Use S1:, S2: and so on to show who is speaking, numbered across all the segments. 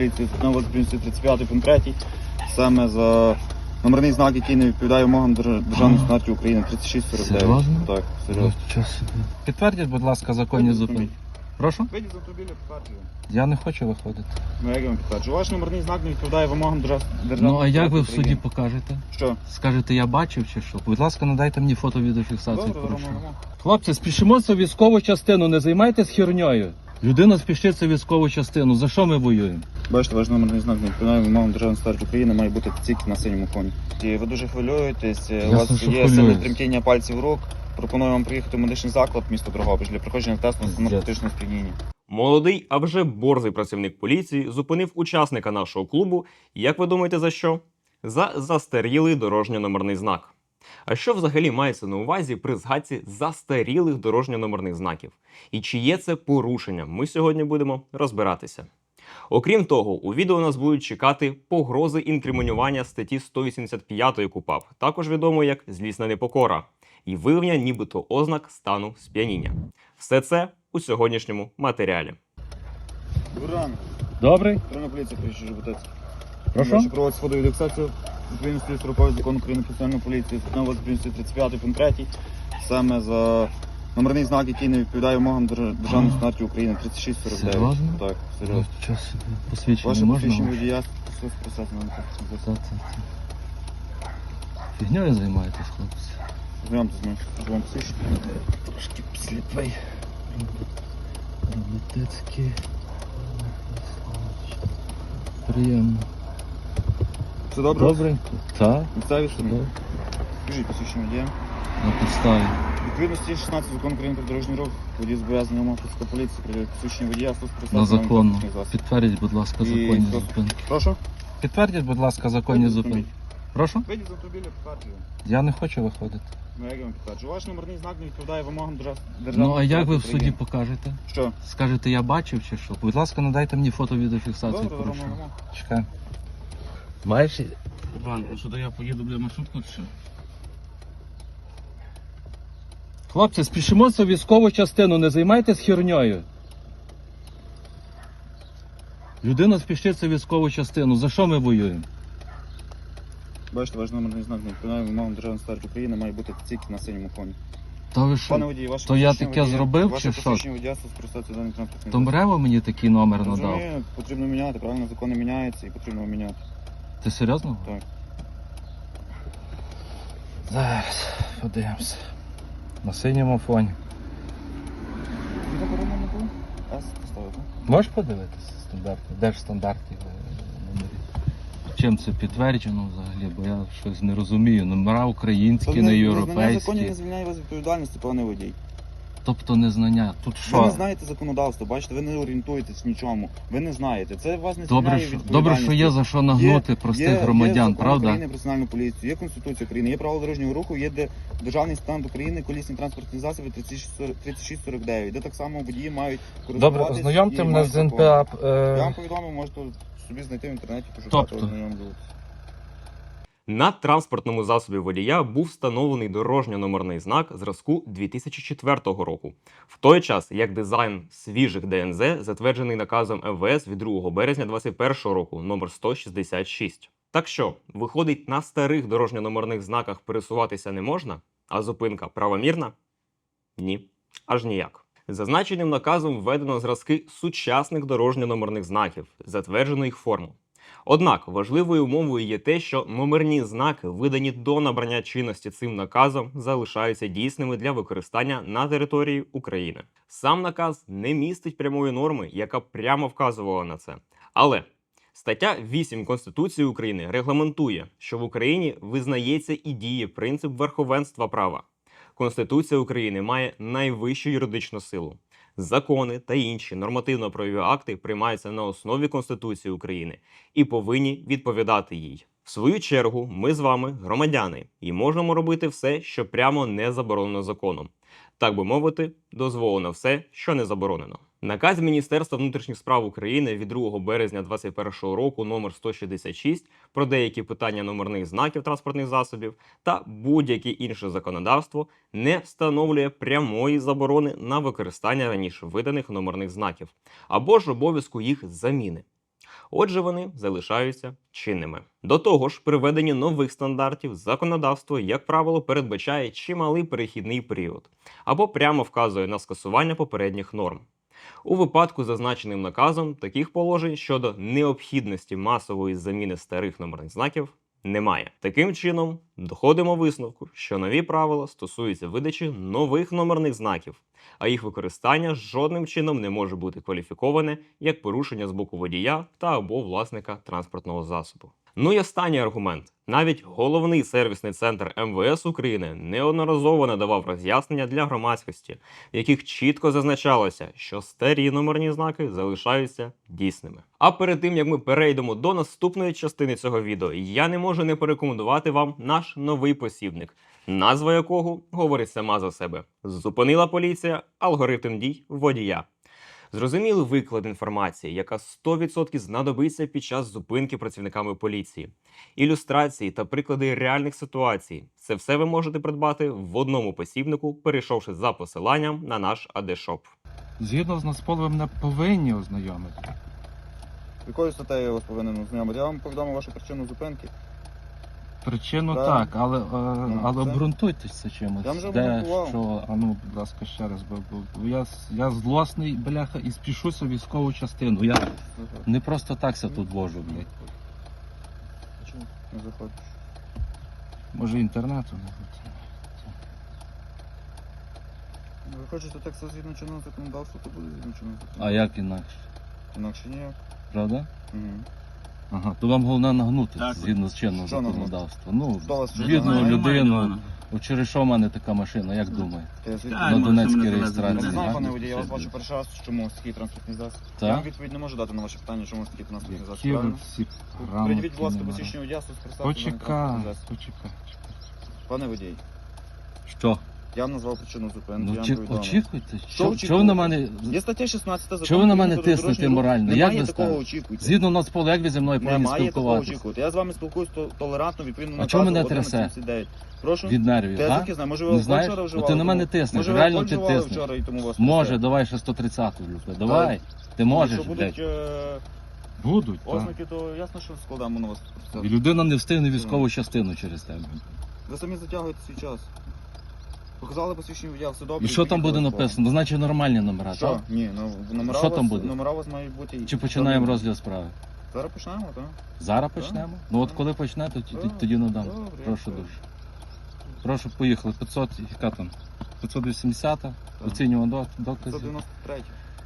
S1: На 35 пункт 3, саме за номерний знак, який не відповідає вимогам державної стандарті України, 3649.
S2: Серйозно?
S1: Так, серйозно.
S2: Підтвердіть, будь ласка, законні
S1: Вийдіть з
S2: зупинки.
S1: автомобіля.
S2: Прошу?
S1: Вийдіть з автомобіля, підтверджую.
S2: Я не хочу виходити.
S1: Ну, як я вам підтверджую? Ваш номерний знак не відповідає вимогам державної
S2: Ну, а як ви в
S1: стандарті
S2: суді
S1: України.
S2: покажете?
S1: Що?
S2: Скажете, я бачив чи що? Будь ласка, надайте мені фото-відеофіксацію
S1: Добре,
S2: порушення.
S1: робимо.
S2: Хлопці, спішимося в військову частину, не займайтесь херньою. Людина спішиться в військову частину. За що ми воюємо?
S1: Бачите, ваш номерний знак не відповідає вимогам державної стандарті України, має бути тільки на синьому фоні. І ви дуже хвилюєтесь, у
S2: Ясно,
S1: вас
S2: що
S1: є сильне
S2: хвилююсь.
S1: тремтіння пальців рук. Пропоную вам приїхати в медичний заклад міста Дрогобич для проходження тесту на наркотичне сп'яніння.
S3: Молодий, а вже борзий працівник поліції зупинив учасника нашого клубу. Як ви думаєте, за що? За застарілий дорожньо-номерний знак. А що взагалі мається на увазі при згадці застарілих дорожньо-номерних знаків? І чи є це порушенням? Ми сьогодні будемо розбиратися. Окрім того, у відео нас будуть чекати погрози інкримінування статті 185 КУпАП, також відомо як злісна непокора, і виявлення нібито ознак стану сп'яніння. Все це у сьогоднішньому матеріалі.
S1: Добрий ранок.
S2: Добрий?
S1: Патрульна поліція приїжджає Жуботець.
S2: Прошу?
S1: Проводить сходову індексацію відповідності з рукою закону України про національну поліцію, на 35 пункт 3, саме за номерний знак, який не відповідає вимогам державної стандарті України, 3649.
S2: Серйозно?
S1: Так, серйозно.
S2: Час посвідчення
S1: Ваше
S2: можна?
S1: посвідчення водія стосується процесу на
S2: Фігньою займаєтесь, хлопці?
S1: Знайомте з моїм службовим посвідченням.
S2: Трошки сліпий. Роботецький. Приємно.
S1: Все добре?
S2: Добренько. Так,
S1: Місцеві
S2: все
S1: самі?
S2: добре.
S1: Скажіть посвідчення водія.
S2: На підставі.
S1: Відповідності 16 закону України про дорожній рух, водій зобов'язаний умов працівника поліції, приділити посвідчення водія,
S2: На законну.
S1: транспортних засобів.
S2: Підтвердіть, будь ласка,
S1: І
S2: законні
S1: просто-
S2: зупинки.
S1: Прошу?
S2: Підтвердіть, будь ласка, законні
S1: Вийдіть з
S2: зупинки.
S1: автомобіля.
S2: Прошу?
S1: Вийдіть з автомобіля, підтверджую.
S2: Я не хочу виходити.
S1: Ну, як я вам підтверджую? Ваш номерний знак не відповідає вимогам державної
S2: Ну, а як ви в
S1: стандарті
S2: суді
S1: України.
S2: покажете?
S1: Що?
S2: Скажете, я бачив чи що? Будь ласка, надайте мені фото-відеофіксацію
S1: Добре,
S2: порушення.
S1: робимо.
S2: Чекай. Маєш?
S4: Іван, а сюди я поїду, бля, маршрутку чи що?
S2: Хлопці, спішимося в військову частину, не займайтесь херньою. Людина спішиться в військову частину. За що ми воюємо?
S1: Бачите, ваш номерний знак не відповідає вимогам державної стандарті України, має бути тільки на синьому фоні.
S2: Та ви
S1: Пане
S2: що?
S1: водій, ваше
S2: То я
S1: посвідчення
S2: таке
S1: водія-
S2: зробив,
S1: ваше
S2: чи що?
S1: посвідчення водія скористатися даним транспортним
S2: То Мрево мені такий номер надав.
S1: Розумію, потрібно міняти, правильно, закони міняються і потрібно міняти.
S2: Ти серйозно?
S1: Так.
S2: Зараз подивимося. На синьому фоні.
S1: І заборонено не було? С поставити.
S2: Можеш подивитися стандарти? Де ж стандарти номерів? Чим це підтверджено взагалі? Бо я щось не розумію. Номера українські, не
S1: Незнання
S2: європейські.
S1: законів не звільняє вас від відповідальності, пане водій.
S2: Тобто незнання. Тут
S1: Ви
S2: що?
S1: не знаєте законодавство, бачите, ви не орієнтуєтесь в нічому. Ви не знаєте. Це вас не
S2: Добре,
S1: звільняє від
S2: що
S1: відповідальності.
S2: є за що нагнути простих громадян,
S1: є закон
S2: правда?
S1: України про національну поліцію, є Конституція України, є правила дорожнього руху, є державний стан України, колісні транспортні засоби 3649, де так само водії мають користуватися.
S2: Добре, ознайомте мене з НПА.
S1: Я вам повідомив, можете собі знайти в інтернеті, пошукати,
S2: Тобто?
S1: ознайомлюватися.
S3: На транспортному засобі водія був встановлений дорожньо-номерний знак зразку 2004 року. В той час, як дизайн свіжих ДНЗ затверджений наказом МВС від 2 березня 2021 року номер 166. Так що, виходить, на старих дорожньо-номерних знаках пересуватися не можна, а зупинка правомірна? Ні, аж ніяк. Зазначеним наказом введено зразки сучасних дорожньо-номерних знаків, затверджено їх форму. Однак важливою умовою є те, що номерні знаки, видані до набрання чинності цим наказом, залишаються дійсними для використання на території України. Сам наказ не містить прямої норми, яка б прямо вказувала на це. Але стаття 8 Конституції України регламентує, що в Україні визнається і діє принцип верховенства права. Конституція України має найвищу юридичну силу. Закони та інші нормативно-правові акти приймаються на основі Конституції України і повинні відповідати їй. В свою чергу, ми з вами громадяни і можемо робити все, що прямо не заборонено законом. Так би мовити, дозволено все, що не заборонено. Наказ Міністерства внутрішніх справ України від 2 березня 2021 року номер 166 про деякі питання номерних знаків транспортних засобів та будь-яке інше законодавство не встановлює прямої заборони на використання раніше виданих номерних знаків або ж обов'язку їх заміни. Отже, вони залишаються чинними. До того ж, при введенні нових стандартів законодавство, як правило, передбачає чималий перехідний період або прямо вказує на скасування попередніх норм. У випадку з зазначеним наказом таких положень щодо необхідності масової заміни старих номерних знаків немає. Таким чином, доходимо висновку, що нові правила стосуються видачі нових номерних знаків, а їх використання жодним чином не може бути кваліфіковане як порушення з боку водія та або власника транспортного засобу. Ну і останній аргумент. Навіть головний сервісний центр МВС України неодноразово надавав роз'яснення для громадськості, в яких чітко зазначалося, що старі номерні знаки залишаються дійсними. А перед тим, як ми перейдемо до наступної частини цього відео, я не можу не порекомендувати вам наш новий посібник, назва якого говорить сама за себе. Зупинила поліція алгоритм дій водія. Зрозумілий виклад інформації, яка 100% знадобиться під час зупинки працівниками поліції. Ілюстрації та приклади реальних ситуацій. Це все ви можете придбати в одному посібнику, перейшовши за посиланням на наш AD-шоп.
S2: Згідно з Нацполем не повинні ознайомити.
S1: Якою статтею я вас повинен ознайомити? Я вам повідомив вашу причину зупинки.
S2: Причину
S1: Так.
S2: так, але
S1: це-
S2: обґрунтуйтеся чимось.
S1: Я вже
S2: Де,
S1: обґрунтував.
S2: що, будь ласка, ще раз, бо я злосний, бляха, і спішуся в військову частину. Я не просто так ся тут вожу, блядь.
S1: Чому не заходиш?
S2: Може інтернету не буде.
S1: Ви хочете так все згідно чинного законодавства, то буде згідно чинного законодавства.
S2: А як інакше?
S1: Інакше ніяк.
S2: Правда?
S1: Угу.
S2: Ага, то вам головне нагнути
S4: Так.
S2: згідно з чинного
S1: Що нагнути?
S2: законодавства. Ну,
S1: Хто вас
S2: бідну
S1: знає?
S2: людину. От через що в мене така машина, як думаєте?
S1: Я звідки?
S4: Так,
S2: На
S4: може,
S2: Донецькій
S4: мене
S2: реєстрації,
S1: Я не
S4: завезли.
S1: знаю,
S2: так?
S1: пане водій, я вас бачу перший раз, чому такий транспортний засіб.
S2: Так?
S1: Я вам відповідь не можу дати на ваше питання, чому такий транспортний засіб.
S2: Які ви
S1: Правильно?
S2: всі
S1: Придивіть, будь ласка,
S2: грамотні,
S1: посвідчення водія, представте.
S2: Почекай.
S1: Почекай. Пане водій,
S2: Що?
S1: я вам назвав причину зупинки,
S2: Ну,
S1: я вам повідомив.
S2: очікуйте.
S1: Що
S2: Що ви на мене...
S1: Є стаття 16 закону.
S2: Чого ви на мене
S1: України про
S2: тиснете
S1: дорожній рух.
S2: морально? Як
S1: Немає
S2: ви
S1: такого
S2: ставите?
S1: очікуйте.
S2: Згідно Нацполу, як ви зі мною повинні
S1: Немає такого
S2: спілкуватися?
S1: очікувати. Я з вами спілкуюсь толерантно, відповідно на
S2: А чого мене трясе?
S1: 1179. Прошу?
S2: Від нервів,
S1: Та я
S2: а?
S1: звідки знаю, може ви
S2: Не
S1: алкоголь
S2: знаєш?
S1: вчора
S2: От
S1: вживали?
S2: ти на мене
S1: тому-
S2: тиснеш,
S1: Може ви
S2: реально
S1: алкоголь
S2: ти
S1: вживали
S2: тиснеш.
S1: вчора і тому вас
S2: Може,
S1: трясе?
S2: давай ще 130-ту, люблю. Давай. Ти можеш,
S1: Якщо
S2: блядь.
S1: будуть
S2: Будуть, так.
S1: ознаки, то ясно, що складаємо на вас.
S2: І людина не встигне військову частину через тебе.
S1: Ви самі затягуєте свій час. Показали посвідчення водія, все добре.
S2: І що там буде
S1: відповідь.
S2: написано? Значить нормальні номера,
S1: Що?
S2: так?
S1: Ні, номера
S2: Що
S1: у вас,
S2: там буде?
S1: Номера у вас мають бути.
S2: Чи починаємо розгляд справи?
S1: Зараз почнемо, так?
S2: Зараз почнемо? Ну от коли почнете, тоді надам.
S1: Добре,
S2: Прошу
S1: добре.
S2: дуже. Прошу, поїхали. 500, яка там? 580, оцінюємо докази.
S1: 193.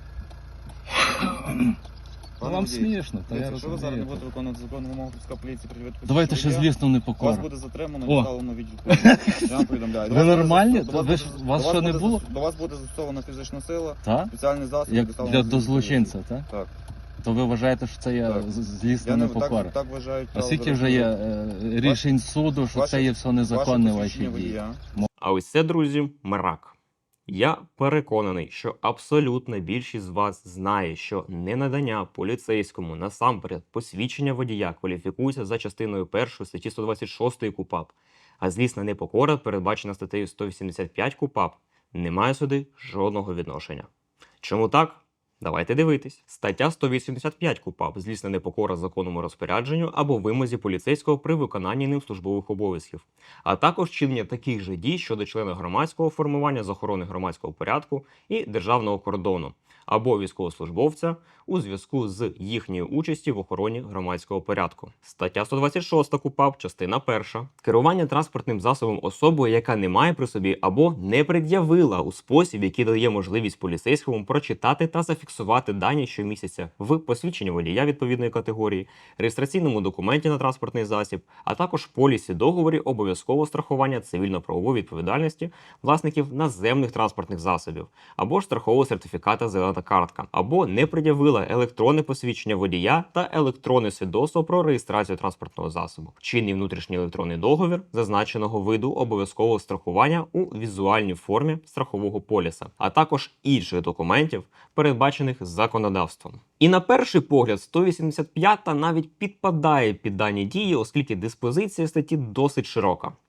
S2: Ну вам смішно, та я
S1: Якщо ви зараз не
S2: розумію.
S1: будете виконувати законну вимогу Київської поліції, пред'явити
S2: Давайте ще
S1: посвідчення
S2: злісно
S1: водія, вас
S2: непокору.
S1: буде затримано
S2: О.
S1: і відправлено в відділ. Я вам повідомляю.
S2: Ви нормальні?
S1: До вас
S2: Ви ж-
S1: буде-
S2: вас
S1: до
S2: що не
S1: буде
S2: було?
S1: зас- До вас буде застосована фізична сила,
S2: Так?
S1: спеціальний засіб.
S2: Як
S1: доставлено
S2: для
S1: в
S2: до
S1: відділ
S2: злочинця, так?
S1: Так.
S2: То ви вважаєте, що це є
S1: Так.
S2: злісна
S1: Я не
S2: непокора?
S1: так вважають.
S2: А скільки вже є рішень суду, що це є все незаконне ваші дії?
S3: А ось це, друзі, мрак. Я переконаний, що абсолютна більшість з вас знає, що ненадання поліцейському насамперед посвідчення водія кваліфікується за частиною 1 статті 126 КУпАП, а злісна непокора, передбачена статтею 185 КУпАП, не має сюди жодного відношення. Чому так? Давайте дивитись. Стаття 185 КУпАП злісна непокора законному розпорядженню або вимозі поліцейського при виконанні ним службових обов'язків, а також чинення таких же дій щодо члена громадського формування з охорони громадського порядку і державного кордону або військовослужбовця у зв'язку з їхньою участю в охороні громадського порядку. Стаття 126 КУпАП, частина 1. Керування транспортним засобом особою, яка не має при собі або не пред'явила у спосіб, який дає можливість поліцейському прочитати та зафіксувати дані щомісяця в посвідченні водія відповідної категорії, реєстраційному документі на транспортний засіб, а також полісі договорі обов'язкового страхування цивільно-правової відповідальності власників наземних транспортних засобів, або ж страхового сертифіката «Зелена картка», або не пред'явила електронне посвідчення водія та електронне свідоцтво про реєстрацію транспортного засобу, чинний внутрішній електронний договір зазначеного виду обов'язкового страхування у візуальній формі страхового поліса, а також інших документів, передбачених законодавством. І на перший погляд 185 навіть підпадає під дані дії, оскільки диспозиція статті досить широка.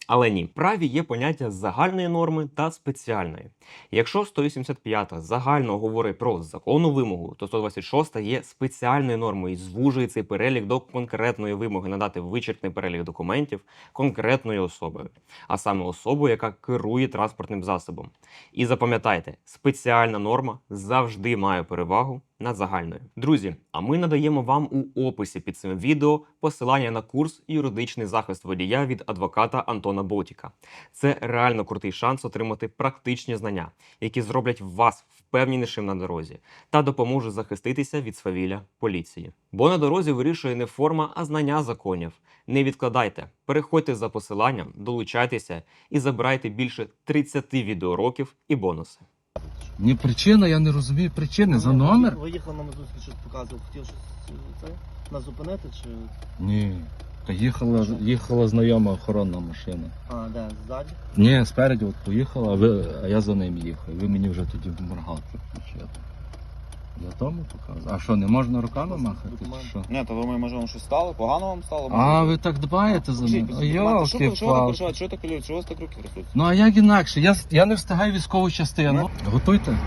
S3: Але ні, в праві є поняття загальної норми та спеціальної. Якщо 185 загально говорить про законну вимогу, то 126 є спеціальною нормою і звужує цей перелік до конкретної вимоги надати вичерпний перелік документів конкретною особою, а саме особою, яка керує транспортним засобом. І запам'ятайте, спеціальна норма завжди має перевагу над загальною. Друзі, а ми надаємо вам у описі під цим відео посилання на курс «Юридичний захист водія» від адвоката Антона Ботіка. Це реально крутий шанс отримати практичні знання, які зроблять вас впевненішим на дорозі та допоможуть захиститися від свавілля поліції. Бо на дорозі вирішує не форма, а знання законів. Не відкладайте, переходьте за посиланням, долучайтеся і забирайте більше 30 відеоуроків і бонуси.
S2: Ні, причина, я не розумію причини. За номер?
S5: Ви їхали на Мазурський, щось показував, хотів щось це, нас зупинити чи...
S2: Ні. Та їхала знайома охоронна машина.
S5: А, де, ззаді?
S2: Ні, спереді от поїхала, а я за ним їхав. Ви мені вже тоді моргалку включили. Я тому показую. А що, не можна руками махати? Чи що?
S1: Ні, то думаю, може вам щось стало? Погано вам стало?
S2: А, ви так дбаєте за мене? О,
S1: Що ви так
S2: йолки-палки.
S1: переживаєте? Що ви так хвилюєте? Що у вас так руки трясуться?
S2: Ну а як інакше? Я не встигаю військову частину. Готуйте.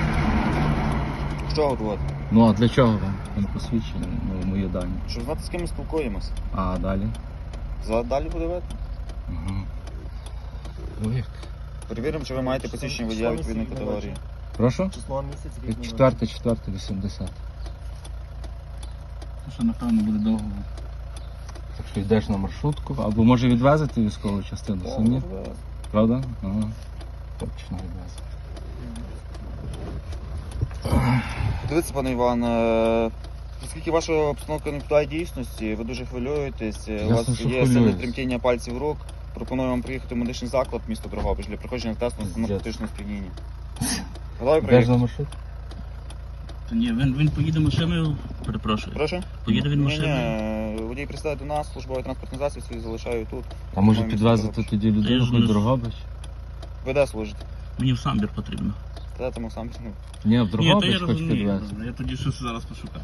S1: Що готувати?
S2: Ну а для чого вам? Він посвідчення, ну, мої дані.
S1: Щоб знати, з ким ми спілкуємося.
S2: А далі?
S1: Далі буде видно.
S2: Угу. Ну як?
S1: Перевіримо, чи ви маєте посвідчення водія відповідної категорії.
S2: Прошу?
S5: Число місяць, рік.
S2: 4.4.80.
S4: Ну що, напевно, буде довго.
S2: Так що йдеш на маршрутку, або може відвезти військову частину самі? Правда? Ага. Точно відвезти.
S1: Дивіться, пане Іван, оскільки ваша обстановка не відповідає дійсності, ви дуже хвилюєтесь, у
S2: Ясно,
S1: вас
S2: що
S1: є сили
S2: хвилююсь.
S1: тремтіння пальців рук, пропоную вам приїхати в медичний заклад міста Дрогобич для проходження тесту на наркотичне сп'яніння. Готові
S2: Йдеш на
S1: приїхати?
S2: маршрут?
S4: Та ні, він поїде машиною, перепрошую.
S1: Прошу?
S4: Поїде він машиною.
S1: Ні, водій пристає до нас, службовий транспортний засіб свій залишаю тут.
S2: А може
S1: Маємо
S2: підвезти
S1: місто
S2: тоді
S4: Я
S2: людину
S4: ж
S2: хоч
S4: не-
S2: Дрогобич?
S1: Ви де служите?
S4: Мені в самбір потрібно.
S1: Де тому сам? Ну,
S2: Ні, в
S4: Ні, то
S2: Дрогобич
S4: я
S2: хоч
S4: розумію.
S2: підвезти.
S4: Я тоді щось зараз пошукаю.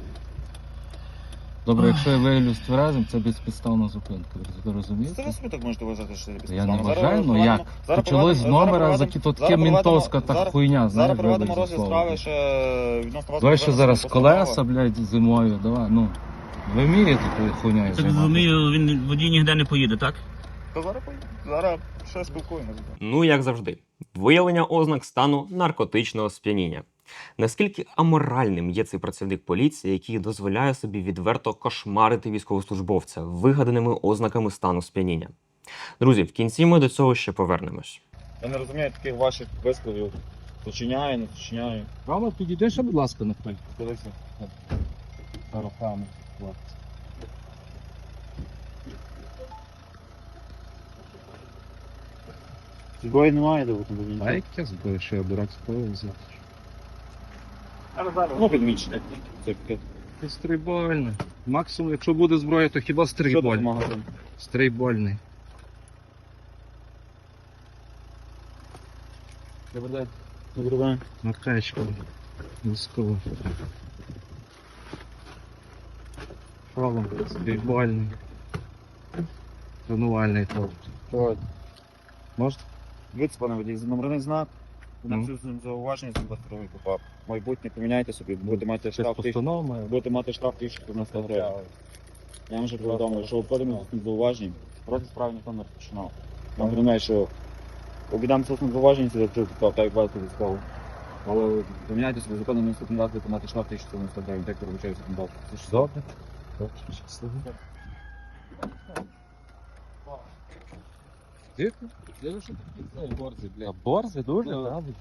S2: Добре, якщо я виявлюсь тверезим, це безпідставна зупинка. Ви розумієте?
S1: Це ви собі так можете вважати, що це без
S2: Я не
S1: підстави.
S2: вважаю, ну як? Почалось з номера, то таке мінтовська та хуйня,
S1: Зараз
S2: знаєш,
S1: проведемо
S2: вибач за
S1: розгляд
S2: слово.
S1: справи ще відносно вас.
S2: Давай ще
S1: повинна
S2: зараз
S1: бути постанова.
S2: колеса, блядь, зимою, давай, ну. Ви вмієте тою хуйньою
S4: Так
S2: займатися?
S4: розумію, він водій ніде не поїде, так?
S1: То зараз поїдемо. Зараз ще спілкуємося.
S3: Ну, як завжди, виявлення ознак стану наркотичного сп'яніння. Наскільки аморальним є цей працівник поліції, який дозволяє собі відверто кошмарити військовослужбовця вигаданими ознаками стану сп'яніння? Друзі, в кінці ми до цього ще повернемось.
S1: Я не розумію таких ваших висловів. Починяю, не починяю.
S2: Право, підійдеш, будь ласка, на хай.
S1: Дивіться.
S2: Руками.
S1: Зброї немає, де
S2: А яке зброю, що я дурак зброю взяти?
S1: Ну, підмічне. Це таке.
S2: Це стрейбольний. Максимум, якщо буде зброя, то хіба
S1: Що тут
S2: стрейбольний.
S1: магазин?
S2: Стрейбольний.
S1: Добрий день.
S2: Накачка. Військово. Шолом. Стрейбольний. Тренувальний тобто. Можна?
S1: Дивіться, пане водій, номерний знак.
S2: Ну.
S1: Зауваження за 22 КУПАП. Майбутнє поміняйте собі, будете мати
S2: Це
S1: штраф
S2: постанова має.
S1: будете мати штраф 1090 гривень. Я вам вже повідомив, що обходимо з зауваженням. Проти справи ніхто не розпочинав. Я вам говорю, що обідам з зауваження, це вже так як бачите військово. Але поміняйте собі законом наступний раз, будете мати штраф 1090 гривень, так вибачаю законодавство. Це ж
S2: Добре. Добре, щасливо. Тихо. Я що такі борзи, бля. Борзи дуже?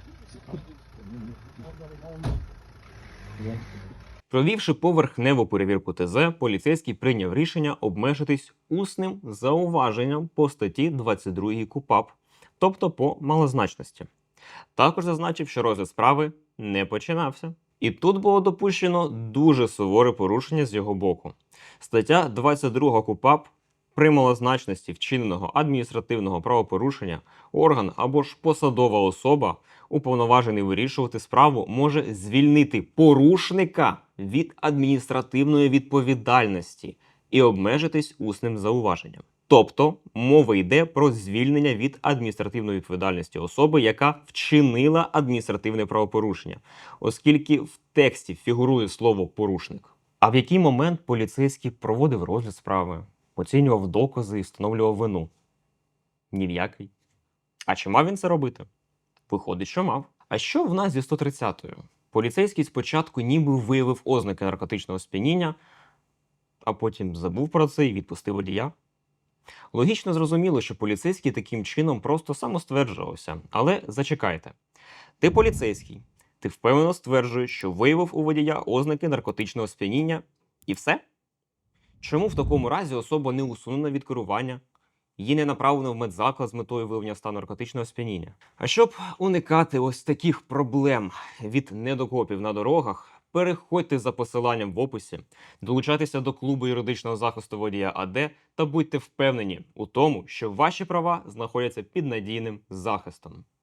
S3: Провівши поверхневу перевірку ТЗ, поліцейський прийняв рішення обмежитись усним зауваженням по статті 22 КУпАП, тобто по малозначності. Також зазначив, що розгляд справи не починався. І тут було допущено дуже суворе порушення з його боку. Стаття 22 КУпАП при малозначності вчиненого адміністративного правопорушення орган або ж посадова особа, уповноважений вирішувати справу, може звільнити порушника від адміністративної відповідальності і обмежитись усним зауваженням. Тобто мова йде про звільнення від адміністративної відповідальності особи, яка вчинила адміністративне правопорушення, оскільки в тексті фігурує слово «порушник». А в який момент поліцейський проводив розгляд справи, оцінював докази і встановлював вину? Ні в який. А чи мав він це робити? Виходить, що мав. А що в нас зі 130-ю? Поліцейський спочатку ніби виявив ознаки наркотичного сп'яніння, а потім забув про це і відпустив водія. Логічно зрозуміло, що поліцейський таким чином просто самостверджувався. Але зачекайте. Ти поліцейський. Ти впевнено стверджуєш, що виявив у водія ознаки наркотичного сп'яніння і все? Чому в такому разі особа не усунена від керування? Її не направлено в медзаклад з метою виявлення стану наркотичного сп'яніння. А щоб уникати ось таких проблем від недокопів на дорогах, переходьте за посиланням в описі, долучайтеся до клубу юридичного захисту водія АД та будьте впевнені у тому, що ваші права знаходяться під надійним захистом.